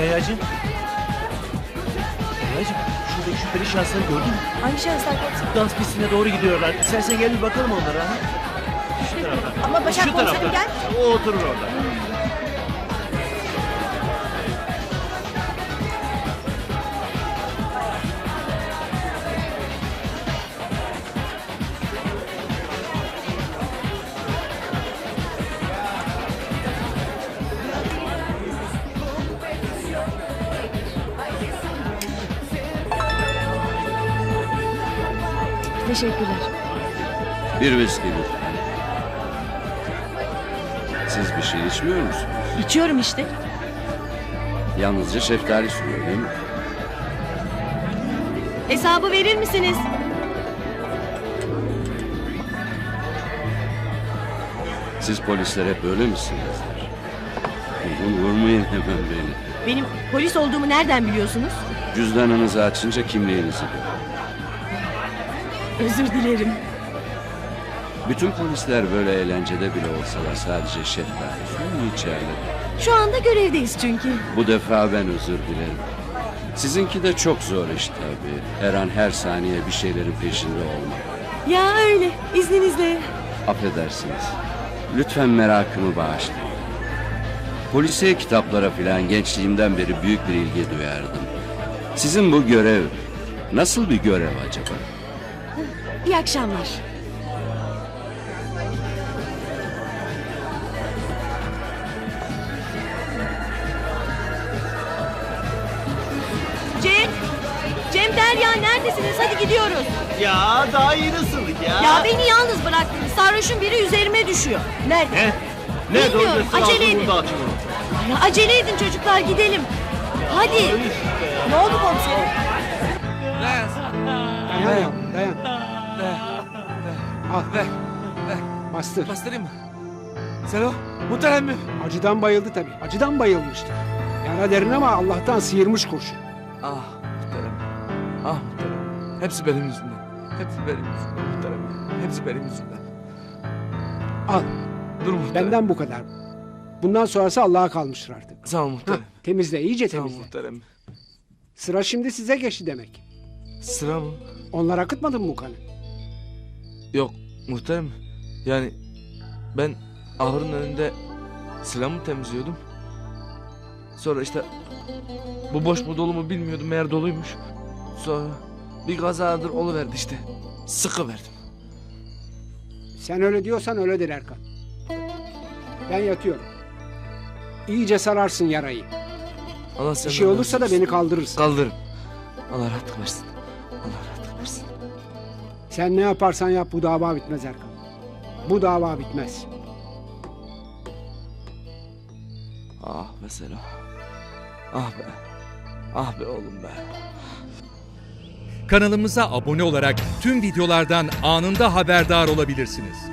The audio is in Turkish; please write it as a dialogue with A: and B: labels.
A: Kayacığım. Kayacığım, şuradaki şüpheli şahısları gördün mü?
B: Hangi şahıslar komiserim?
A: Dans pistine doğru gidiyorlar. İstersen gel bir bakalım onlara. Ha? Şu taraftan.
B: Ama Başak
A: Şu
B: komiserim
A: taraftan.
B: gel.
A: O oturur orada.
B: Teşekkürler.
C: Bir viski lütfen. Siz bir şey içmiyor musunuz?
B: İçiyorum işte.
C: Yalnızca şeftali suyu değil mi?
B: Hesabı verir misiniz?
C: Siz polisler hep böyle misinizdir? Vurmayın hemen beni.
B: Benim polis olduğumu nereden biliyorsunuz?
C: Cüzdanınızı açınca kimliğinizi görün.
B: Özür dilerim.
C: Bütün polisler böyle eğlencede bile olsalar sadece şeftali suyu içerler.
B: Şu anda görevdeyiz çünkü.
C: Bu defa ben özür dilerim. Sizinki de çok zor iş tabii. Her an her saniye bir şeylerin peşinde olmak.
B: Ya öyle. İzninizle.
C: Affedersiniz. Lütfen merakımı bağışlayın. Polisiye kitaplara filan gençliğimden beri büyük bir ilgi duyardım. Sizin bu görev nasıl bir görev acaba?
B: İyi akşamlar. Cem Derya neredesiniz? Hadi gidiyoruz.
A: Ya daha iyi nasıldık ya?
B: Ya beni yalnız bıraktınız. Sarhoşun biri üzerime düşüyor. Nerede?
A: Ne? Ne
B: Bilmiyorum,
A: doğru
B: acele edin.
A: burada açın onu.
B: Ya acele edin çocuklar gidelim. Hadi. Ne oldu komiserim?
D: Dayan ya, dayan. Al,
E: Ver.
D: bastır.
E: Bastırayım mı? Selo, muhterem mi?
D: Acıdan bayıldı tabii. Acıdan bayılmıştı. Yara derin ama Allah'tan sıyırmış kurşun.
E: Ah muhterem. Ah muhterem. Hepsi benim yüzümden. Hepsi benim yüzümden muhterem. Hepsi benim yüzümden.
D: Al,
E: Dur muhterem.
D: benden bu kadar. Bundan sonrası Allah'a kalmıştır artık.
E: Sağ ol
D: Ha,
E: muhterem.
D: temizle, iyice
E: Sağ ol
D: temizle.
E: muhterem.
D: Sıra şimdi size geçti demek.
E: Sıra mı?
D: Onlar akıtmadın mı bu kanı?
E: Yok muhterem. Yani ben ahırın önünde silahımı temizliyordum. Sonra işte bu boş mu dolu mu bilmiyordum, meğer doluymuş. Sonra bir kazadır oluverdi işte. Sıkıverdim.
D: Sen öyle diyorsan öyledir Erkan. Ben yatıyorum. İyice sararsın yarayı.
E: Allah
D: Bir
E: senden
D: şey olursa da
E: razı olsun.
D: beni kaldırırsın.
E: Kaldırırım. Allah rahatlık versin. Allah rahatlık versin.
D: Sen ne yaparsan yap bu dava bitmez Erkan. Bu dava bitmez.
E: Ah be Selo. Ah be. Ah be oğlum be.
F: Kanalımıza abone olarak tüm videolardan anında haberdar olabilirsiniz.